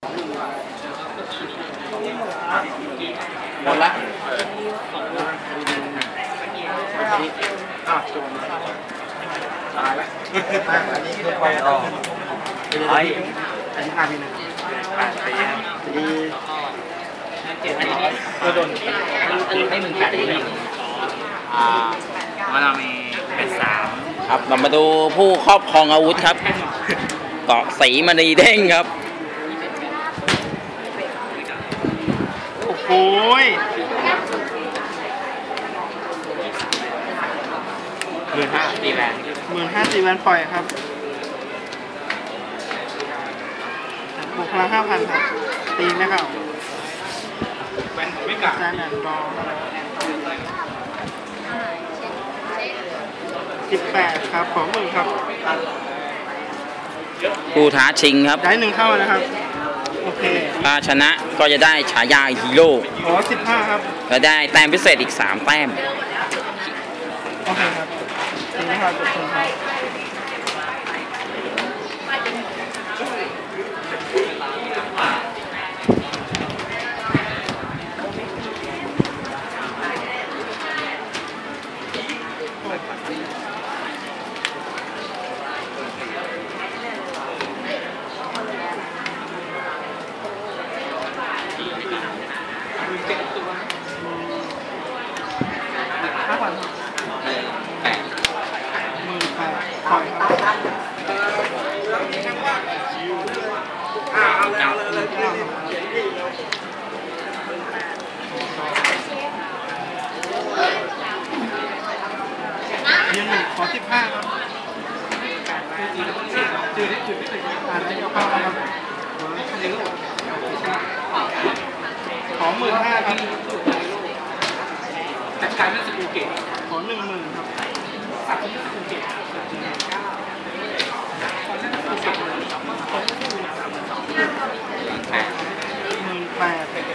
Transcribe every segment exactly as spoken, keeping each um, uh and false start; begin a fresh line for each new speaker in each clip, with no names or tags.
หมดละตายแล้วอันนี้คือความต่อไอ้อันนี้ห้าปีหนึ่งแปดปีดีอันนี้ตัวโดนอันนี้ให้มึงแปดปีหนึ่งอ่ามันมีเป็นสามครับเรามาดูผู้ครอบครองอาวุธครับเกาะสีมณีเด้งครับโอ้โหหมื่นห้าตีแวนหมื่นห้าตีแวนปล่อยครับบวกพลังห้าพันครับตีไม่เข้าแวนไม่กัดแซนแอนด์บอลสิบแปดครับของมือครับผู้ท้าชิงครับได้หนึ่งเข้านะครับโอเคถ้าชนะก็จะได้ฉายาฮีโร่อ๋อสิบห้าครับก็ได้แต้มพิเศษอีกสามแต้มโอเคครับทีนี้ครับจบครับห้าพันแปดหมื่นแปดปล่อยครับยืนหนึ่งขอสิบห้าครับจืดจืดไม่ถึงอ่านได้ยกเข้าครับขอหมื่นห้าครับจัดการด้วยสกูเกตขอหนึ่งหมื่นครับสับด้วยสกูเกตหมื่นแปดห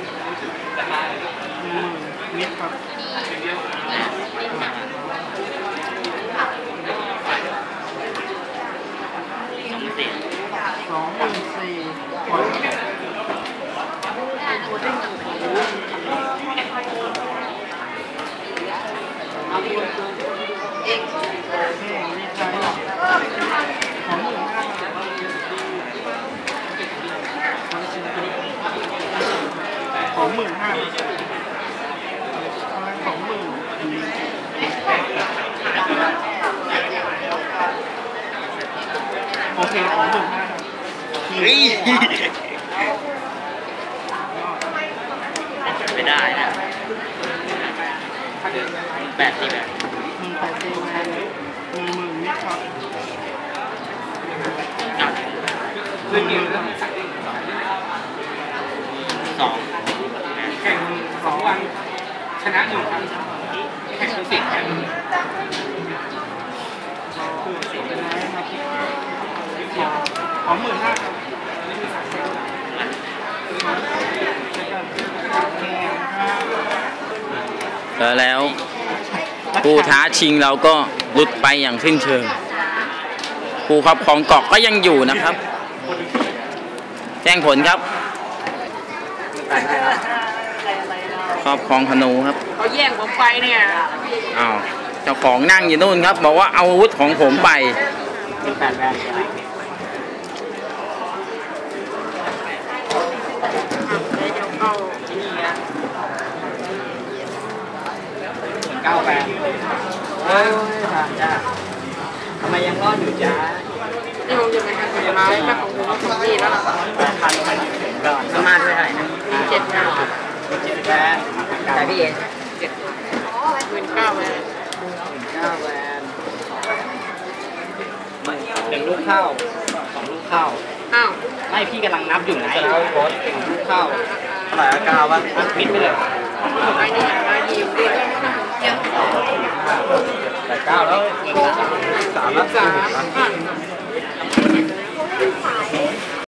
นึ่งหมื่นนิดครับสองหมื่นสี่ปล่อยเอกดีใจของหมื่นห้าของหมื่นห้าของหมื่นโอเคของหมื่นห้าไม่ได้นะแปดตีแปดหนึ่งแปดตีแปดหนึ่งหมื่นนิดครับเรื่องนี้สองแข่งสองวันชนะหนึ่งครั้งแข่งเป็นสิบแข่งของหมื่นห้าครับแล้วผู้ท้าชิงเราก็หลุดไปอย่างสิ้นเชิงผู้ครอบครองเกาะก็ยังอยู่นะครับแจ้งผลครับครอบครองธนูครับเขาแย่งผมไปเนี่ยอ้าวเจ้าของนั่งอยู่นู่นครับบอกว่าเอาอาวุธของผมไปเก้าแปดเฮ้ยผ่านจ้าทำไมยังรอดอยู่จ้านี่ผมจะไปทำผลไม้แม่ของผมสองที่แล้วล่ะพันไปถึงก่อนสมาร์ทเท่าไหร่นะเจ็ดห้าเจ็ดแวนแต่พี่เอ็นเจ็ดหมื่นเก้าแวนเก้าแวนหนึ่งลูกเข้าสองลูกเข้าอ้าวไม่พี่กำลังนับอยู่ไหนสองลูกเข้าเท่าไหร่เก้าวะปิดไปเลยไอ้นี่ไอ้นี่อยู่ด้วยแต่เก้าแล้วสามแล้วสาม